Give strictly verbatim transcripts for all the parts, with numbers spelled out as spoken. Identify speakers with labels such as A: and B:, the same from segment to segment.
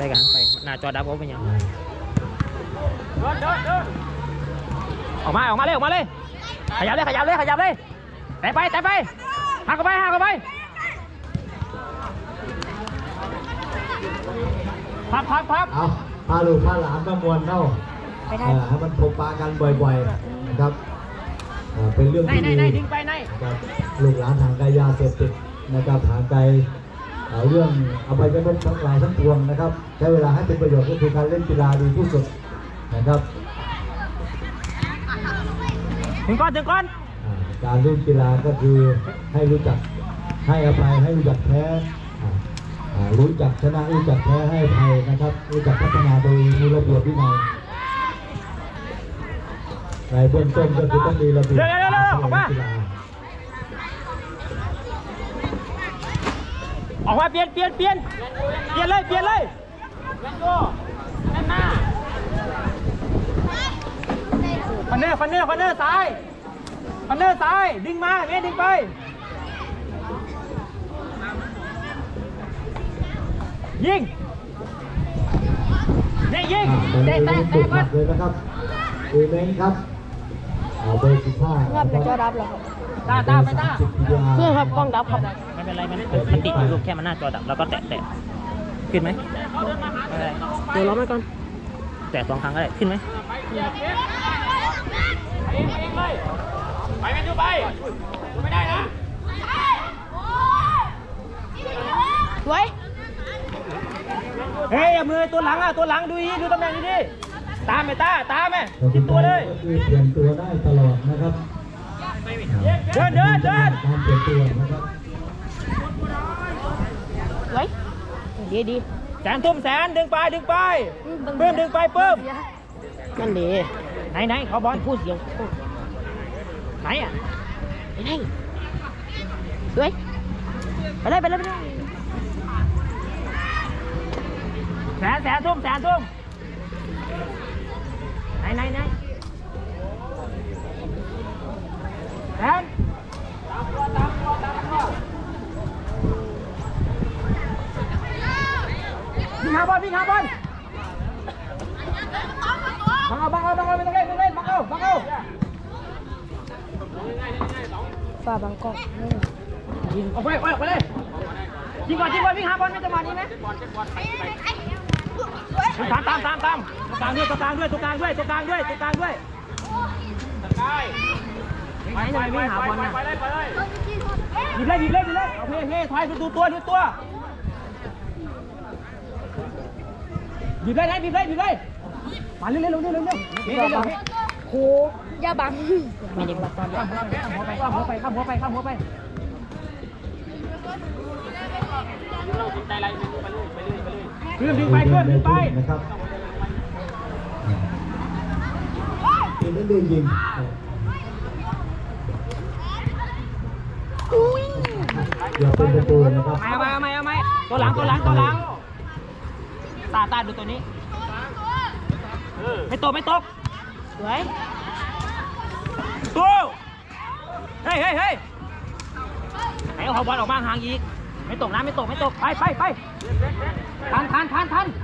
A: กันไปหน้าจอดับเขาเป็นยังเดินเดินเดินออกมาออกมาเลยออกมาเลยขยับเลยขยับเลยขยับเลยแต่ไปแต่ไปหักเข้าไปหักเข้าไปพับพับพับ
B: เอาพาลูกพาหลานมามวนเข้าให้มันพบปะกันบ่อยๆนะครับเป็นเรื่องที่ดีนะครับลูกหลานห่างไกลยาเสพติดนะครับห่างไกลเรื่องอภัยกันทั้งหลายทั้งปวงนะครับใช้เวลาให้เป็นประโยชน์ก็คือการเล่นกีฬาดีที่สุดนะครับ
A: ถึงก้อนถึงก้อน
B: การเล่นกีฬาก็คือให้รู้จักให้อภัยให้รู้จักแพ้รู้จักชนะรู้จักแพ้ให้อภัยนะครับรู้จักพัฒนาโดยมีระเบียบวินัยในเบื้องต้นก็คือต้องมีระเบียบการเล่นกีฬา
A: ออกมาเปลี่ยนเปลี่ยนเปลี่ยนเปลี่ยนเลยเปลี่ยนเลยเล่นโก้เล่นหน้าฟันเนอร์ฟันเนอร์ฟันเนอร์ซ้ายฟันเนอร์ซ้ายดึงมาเมย์ดึงไปยิงเนี่ยยิงเตะเตะเตะก่อน
B: เลยนะครับเอเมนครับเบอร์สิบห้า
C: ครับจะจอดับแล้วครับ
A: ตาตาไปตา
C: เพื่อครับกล้องดับครับ
A: ไม่เป็นไรมันมันติดอยู่ลูกแค่มันหน้าจอดับแล้วก็แตะแตะขึ้นไหมไม่ได้
C: เดี๋ยวรอไปก่อน
A: แตะสองครั้งก็ได้ขึ้นไหมไปเองไปเองเลยไปกันอยู่ไปไม่ได้นะ
C: สวย
A: เฮ้ยมือตัวหลังอ่ะตัวหลังดูดีดูตำแหน่งดีดีตามไหมตาตามไหมจิตตัวเลย
B: เปลี่ยนตัวได้ตลอดนะครับ
A: เดินเดินเดิน
B: การเปลี่ยนตัวนะครับ
C: สวยดีดี
A: แสนทุ่มแสนดึงไปดึงไปเพิ่มดึงไปเพิ่ม
C: นั่นดี
A: ไหนไหนเขาบอล
C: พูดเสียง
A: ไหนอ่ะ
C: ไปไหนสวยไปเลยไปเลยไปเลย
A: แสนแสนทุ่มแสนทุ่มไหนไหนไหนแสนวิ่งหาบอลวิ่งหาบอลบังเอาบังเอาบังเอาไม่ต้องเล่นไม่ต้องเล่นบังเอาบังเอา
C: ฝ่าบังกอก
A: ยิงออกไปออกไปเลยยิงก่อนยิงก่อนวิ่งหาบอลไม่จังหวะนี้ไหมตามตามตามตามตัวกลางด้วยตัวกลางด้วยตัวกลางด้วยตัวกลางด้วยตัวกลางด้วยไปไปวิ่งหาบอลนะหยิบเลยหยิบเลยหยิบเลยเอาเฮ้เฮ้ถอยดูตัวดูตัวหยิบเลยนะหยิบเลยหยิบเลยมาเร็วเร็วเร็วเร็วเร็วเร็ว
C: โหย่าบังไม่ได้บังข้ามหัวไปข้ามหัวไปข้ามหัวไปข้ามหัวไป
A: เราติดใจอะไรไปเลยไปเลยไปเลยเพื่อนดึงไปเพื่อนดึงไป
B: นะครับเป็นนั่นเดินยิงอย่าเป็นประตูนะครับ
A: เอาไหมเอาไหมเอาไหมตัวหลังตัวหลังตัวหลังตาตาดูตัวนี้ไม่ตกไม่ตก
C: สวย
A: ตัวเฮ้ยเฮ้ยเฮ้ยไหนเอาบอลออกมาห่างอีกไม่ตกนะไม่ตกไม่ตกไปไปไปทันทันทันทัน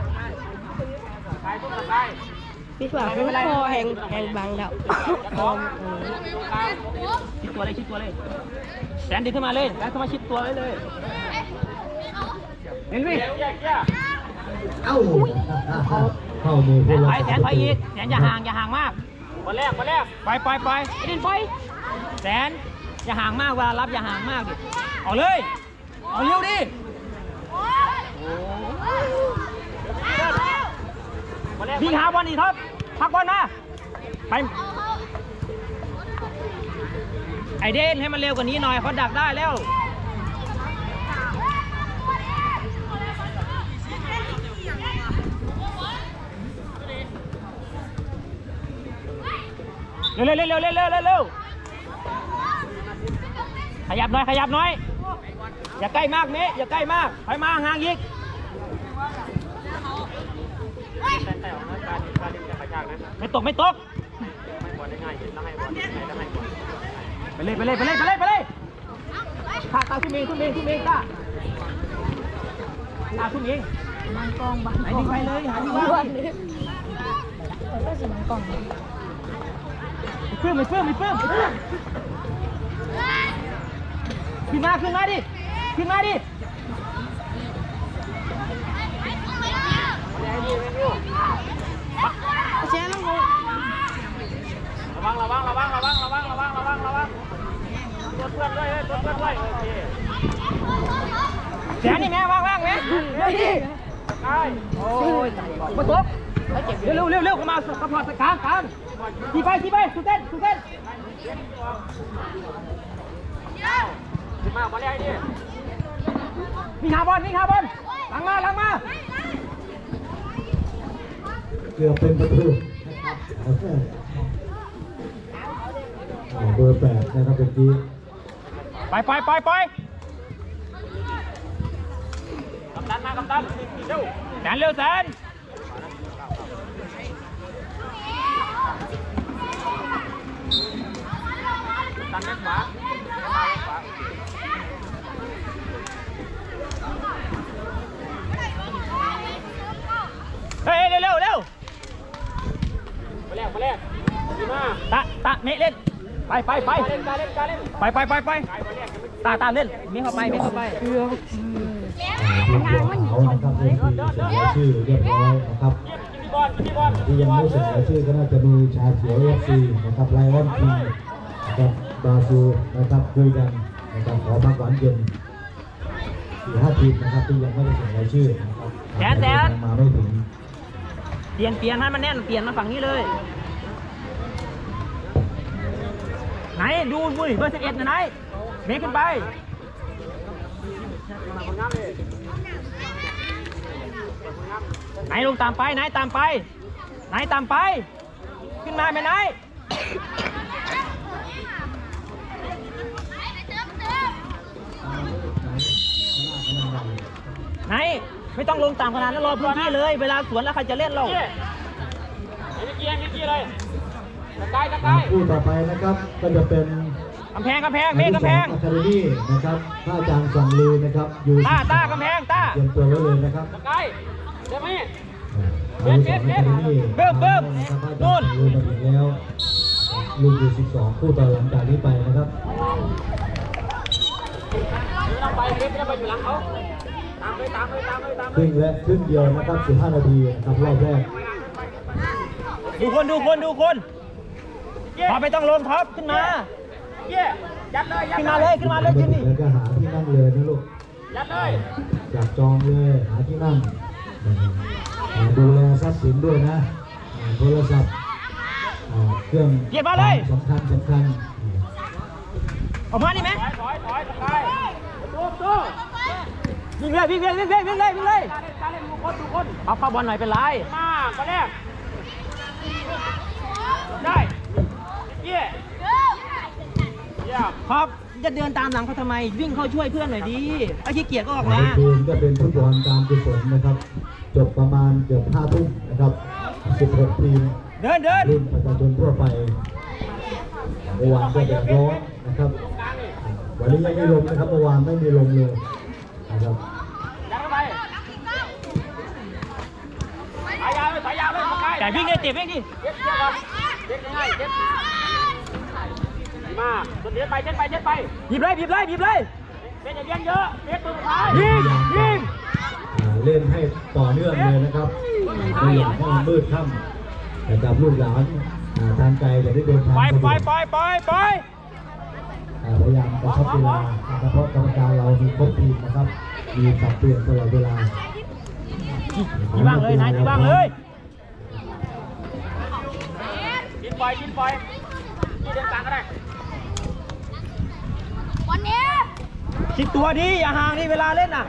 C: พี่สาวเขาคอแหงแหงบังแล้ว
A: ชิดตัวเลยชิดตัวเลยแสนดึงขึ้นมาเลยแสนเข้ามาชิดตัวเลยเลยเห็นไหม
B: เอ้าเข้ามือ
A: แสนถอยแสนถอยอีกแสนอย่าห่างอย่าห่างมากบอลแรกบอลแรกไปไปไปเดินไปแสนอย่าห่างมากเวลารับอย่าห่างมากดิเอาเลยเอาเร็วดิวิ่งหาบอลอีกท็อปพักบอลมาไปไอเดนให้มันเร็วกว่านี้หน่อยเขาดักได้แล้วเร็วเร็วเร็วเร็วเร็วเร็วเร็วขยับหน่อยขยับหน่อยอย่าใกล้มากเมอย่าใกล้มากถอยมาห่างอีกไม่ตกไม่ตกไปเลยไปเลยไปเลยไปเลยไปเลยข้าตาทุ่มเองทุ่มเองทุ่มเองข้าตาทุ่มเอง
C: บางกองบาง
A: ไหนดึงไปเลยหาที่
C: บ้า
A: ว่าน
C: เลยก็สิบางกอง
A: เพิ่มไม่เพิ่มไม่เพิ่มขึ้นมาขึ้นมาดิขึ้นมาดิเชนลงระวังระวังระวังระวังระวังระวังระวังระวังตัวเพื่อนเลยตัวเพื่อนเลยโอเคแสนนี่แม่ว่างว่างไหมเร็วดิใช่โอ้ยมาตบเร็วเร็วเร็วเร็วเข้ามาสปอร์ตกลางกลางทีไปทีไปสุดเต้นสุดเต้นขึ้นมาบอลเลยดิมีหาบอลมีหาบอลหลังมาหลังมา
B: เกือบเป็นประตูเบอร์แปดนะครับเมื่อกี้
A: ไปไปไปไปกำดันมากำดันเร็วแสนเร็วแสนดันแม็กขวาเฮ้ยเร็วเร็วเร็วมาแรกมาแรกดีมากตาตาเมะเล่นไปไปไปเล่นการเล่นการเล่นไปไปไปไปตาตาเล่นมีเข้าไปมีเข้าไปเกือบ
B: ลูกบอลเขานะครับเรื่องที่เสนอชื่อเรียบร้อยนะครับที่ยังไม่เสนอชื่อก็น่าจะมีชาเขียวเอฟซีนะครับไลออนทีนะครับบราซิลนะครับคุยกันนะครับขอพักหวานเย็นสี่ห้าทีมนะครับที่ยังไม่ได้เสนอชื่อนะครับ
A: แสนแสน
B: มาไม่ถึง
A: เปลี่ยนเปลี่ยนให้มันแน่นเปลี่ยนมาฝั่งนี้เลยไหนดูบุ้ยเบอร์สิบเอ็ดนะไหนเมฆขึ้นไปไหนลงตามไปไหนตามไปไหนตามไปขึ้นมาไหมไหนไหนไม่ต้องลงตามขนาดนั้นรอพื้นที่เลยเวลาสวนแล้วใครจะเล่นเรา
B: คู่ต่อไปนะครับก็จะเป็น
A: กำแพงกำแพงเมฆกำแพง
B: อะคาเดมี่นะครับพระอาจารย์สั่งลือนะครับอยู่
A: ตาตากำแพงตา
B: เตรียมตัวไว้เลยนะครับ
A: ใช่ใช่ไหม
B: เบิ้มเบิ้มเบิ้มเบิ้มนู่นลือมาถึงแล้วลูกอยู่สิบสองคู่ต่อหลังจากนี้ไปนะครับ
A: เราไปเมฆจะไปอยู่หลังเขาตามไปตามไปตามไปตาม
B: ครึ่งและครึ่งเดียวนะครับสิบห้านาทีนะครับรอบแรก
A: ดูคนดูคนดูคนพอไม่ต้องลงท็อปขึ้นมาขึ้นมาเลยขึ้นมาเลยขึ้นนี่
B: แล้วก็หาที่นั่งเลยนะลูก
A: ยัดเลย
B: จับจองเลยหาที่นั่งดูแลทรัพย์สินด้วยนะโทรศัพท์เครื่องสำคัญสำคัญ
A: ออกมาดิไหมถอยถอยถอยตู้ตู้วิ่งเลยวิ่งเลยวิ่งเลยวิ่งเลยวิ่งเลยการเล่นทุกคนทุกคนเอาเข้าบอลหน่อยเป็นไรมาก็แรกได้เยี่ยครับจะเดินตามหลังเขาทำไมวิ่งเข้าช่วยเพื่อนหน่อยดีไอ้ขี้เกียจก็ออกมา
B: ทีมก็เป็นฟุตบอลการกุศลนะครับจบประมาณเกือบห้าทุ่มนะครับสิบหกทีม
A: เดินเดิน
B: รุ่นประชาชนทั่วไปเมื่อวานก็แดดร้อนนะครับวันนี้ยังไม่ลมนะครับเมื่อวานไม่มีลมเลยนะครับ
A: แต่วิ่งได้เจ็บวิ่งดิมาตัวเลี้ยงไปเช็ดไปเช็ดไปหยิบเลยหยิบเลยหยิบเลยเป็นอย่างเยอะเลี้ยงตัวท้ายยิงยิง
B: เล่นให้ต่อเนื่องเลยนะครับไม่อยากให้มันมืดค่ำแต่กับลูกหลานทางไกลจะได้เดินทาง
A: ไป
B: สะด
A: ไป
B: วก
A: ไปไปไป
B: พยายามกระชับเวลานะครับเพราะกรรมการเรามีครบทีมนะครับมีสับเปลี่ยนตลอดเวลา
A: ที่บ้างเลยนายที่บ้างเลยกินไฟกินไฟกินเดินกลางก็ได้วันนี้คิดตัวดีอย่าห่างนี่เวลาเล่นน่ะ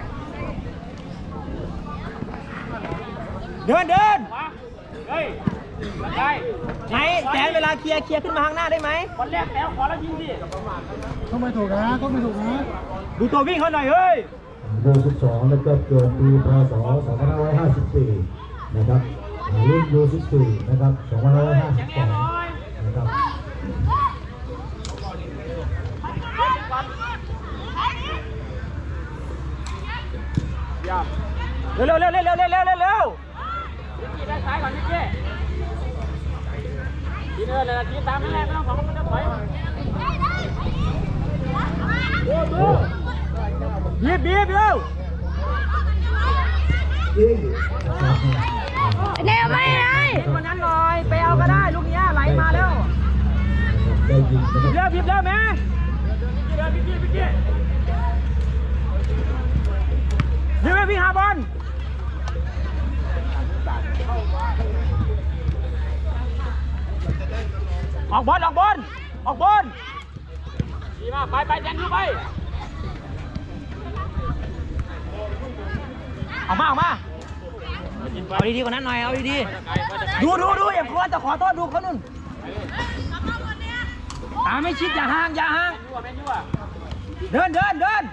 A: เดินเดินเฮ้ยได้ไหนแสนเวลาเคลียร์เคลียร์ขึ้นมาข้างหน้าได้ไหมบอลแรกแล้วขอแล้วยิงดิเขาไม่ถูกนะเขาไม่ถูกนะดูตัววิ่งเขาหน่อยเฮ้ย
B: เบอร์สิบสองแล้วก็เกิดปีพศสองพันห้าร้อยห้าสิบสี่นะครับรุ่นยูสิบสี่นะครับสองพันห้าร้อยห้าสิบสองนะครับ
A: ร็วเร็วเร็วเร็วเร็วเร็วเร็วเร็วเร็ววิกกี้ด้านซ้ายก่อนวิกกี้ทีเดินเลยทีตามนั่นแหละไม่ต้องของมันจะถอยบีบบีบเร็ว
B: ยิง
C: เร็วไม่ได้
A: คนนั้นหน่อยไปเอาก็ได้ลูกนี้ไหลมาแล้ว
B: ได้ยิงนะครับ
A: เร็วบีบเร็วแม่เร็ววิกกี้วิกกี้เร็วพี่หาบอลออกบอลออกบอลออกบอลดีมากไปไปแดนดูไปออกมาออกมาเอาดีๆกว่านั้นหน่อยเอาดีๆดูดูดูอย่าควรจะขอโทษดูเขานุ่นตาไม่ชิดอย่าห่างอย่าห่างเดินเดินเดิน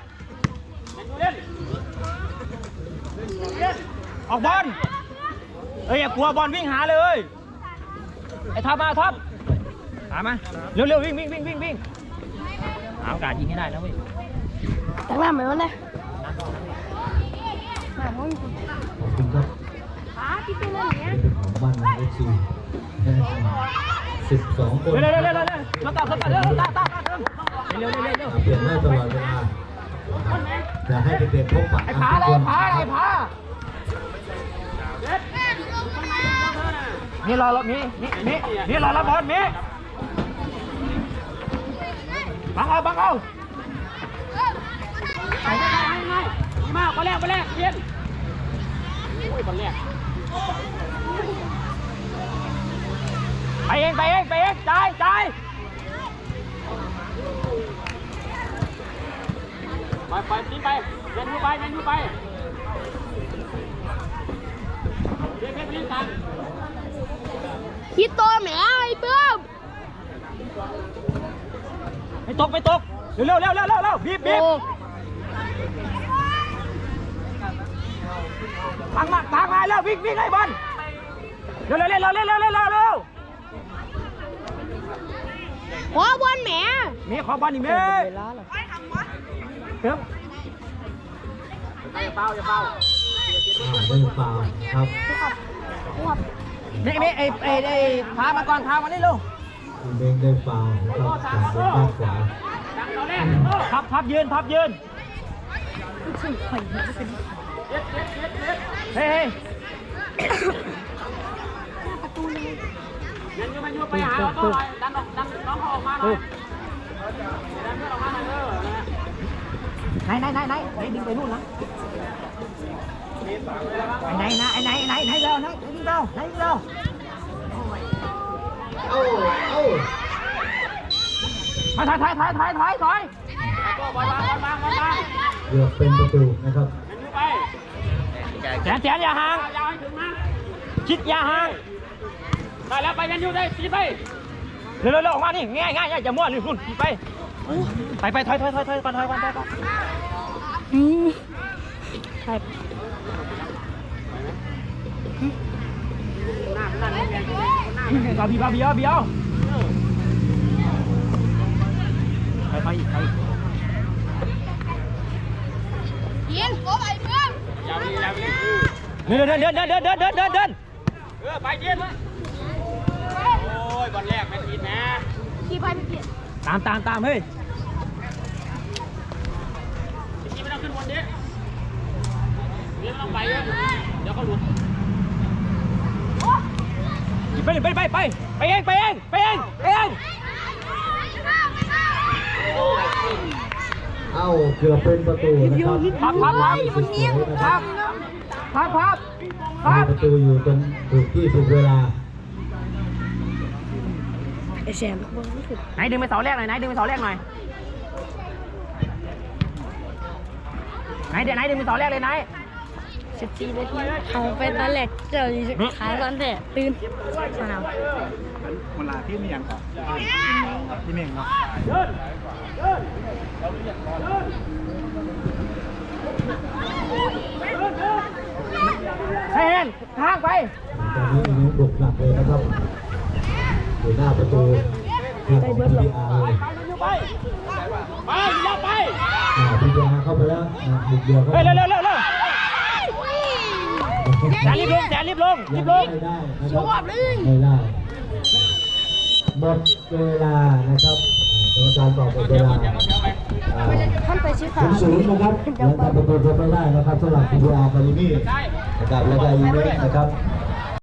A: ออกบอลเฮ้ยอย่ากลัวบอลวิ่งหาเลยไอ้ท็อปมาท็อปหามาเร็วเร็ววิ่งวิ่งวิ่งวิ่งวิ่งหาโอกาสยิงให้ได้นะเว้ย
C: แต่ว่าเหมือนวันนี้มาห้อง
B: ขอบคุณครับ
C: ขาที่เป็นอะไรเนี้ย
B: เป็นของบ้านเอฟซีสิบสองคน
A: เร็วเร็วเร็วเร็วเร็วสตาร์ทสตาร์ทเร็วตาตาตาเร็วเร็วเร็วเร็ว
B: เปลี่ยนได้ตลอดเวลาอยากให้เด็กๆพบปะ
A: ไอ้ผาเลยผาไอ้ผานี่รอรถนี่นี่นี่นี่รอรับบอลนี่บังเอาบังเอาไปไปไปไปดีมากบอลแรกบอลแรกเย็นโอ้ยบอลแรกไปเองไปเองไปเองจ่ายจ่ายไปไปทิ้งไปเดินยูไปเดินยูไปเดินไปเดินทาง
C: คิดตัวแหมไอ้เบิ้ม
A: ไม่ตกไม่ตกเร็วเร็วเร็วเร็วเร็วเร็วบีบบีบทางมาทางมาแล้ววิ่งวิ่งไอ้บอลเร็วเร็วเร็วเร็วเร็วเร็วเร็วเร็ว
C: ขอบอลแหม
A: มีขอบอลนี่มีเติมอย่าเป้าอย่าเป้า
B: ไม่เปล่าครับ
A: นี่นี่ไอ้ไอ้ไอ้พามาก่อนพามานี่ลูก
B: คุณเบงได้เปล่าครับจากบนด้านขวา
A: ทับทับยืนทับยืนเฮ้ยยันยูมันยูไปหาเราต้องดันออกดันน้องเขาออกมาหน่อยดันเพื่อนออกมาหน่อยเออไหนไหนไหนไหนไหนดึงไปนู่นนะไหนไหนไหนไหนไหนเร็วไหนดึงเร็วไหนดึงเร็ว
B: เอ้าเอ้า
A: มาถอยถอยถอยถอยถอยถอยบอลบอลบอลบอลบอล
B: เกือบเป็นประตูนะครับ
A: แสนแสนอย่าห่างชิดอย่าห่างได้แล้วไปยันยูได้ปีไปเร็วเร็วเร็วออกมานี่ง่ายง่ายอย่ามั่วนี่รุ่นปีไปไปไปถอยถอยถอยถอยก่อนถอยก่อนถอยก่อนอืมใช่บาบีบาบีเอาบีเอาไปไปอีกไป
C: ยิงโอ้ไอ้เบิ้ม
A: เดินเดินเดินเดินเดินเดินเดินเดินเดินเออไปเย็นโอ้ยบอลแรกไม่ผิดนะ
C: ขี่ไปไม่เปลี่ยน
A: ตามตามตามเฮ้ยพี่ไม่ต้องขึ้นบนดิพี่ไม่ต้องไปเลยเดี๋ยวเขาหลุดไปไปไปไปไปเองไปเองไปเองไปเอง
B: เอ้าเกือบเป็นประตูนะครับ
A: พับพับพับ
B: สุดสวยนะครับ
A: พับพับพับ
B: ประตูอยู่ตรงถูกที่ถูกเวลา
C: ไอ้แซมบอลไม่ถึง
A: ไหนดึงไปเสาแรกหน่อยไหนดึงไปเสาแรกหน่อยไหนเดี๋ยวไหนดึงไปเสาแรกเลยไหน
C: สิบสี่นาทีเอาไปตอนแรกเจอขาตอนแต่ตื่นสนาม
D: เวลาที่มีอย่างก่อนที่เมงเนาะ
A: ให้เห็นทางไป
B: ตอนนี้อินุบุกหนักเลยนะครับอยู่หน้าประตูทางของพีดีอาร์เลย
A: ไปไปอย่าไป
B: พีดีอาร์เข้าไปแล้วนะบุกเดียวเข้า
A: เฮ้ย
B: ไป
A: เร็วเร็วเร็วเร็วแสนรีบลงแสนรีบลงรีบลง
B: ไม่ได้นะค
C: ช
B: รับ
C: อบเลย
B: ไม่ได้หมดเวลานะครับกรรมการบอกหมดเวลา
C: ท่านไปชี้ขา
B: ศูนย์ศูนย์นะครับแล้วทำประตูไม่ได้นะครับสำหรับทีมอาร์คาเดมี่นะครับแล้วก็อีเวนต์นะครับ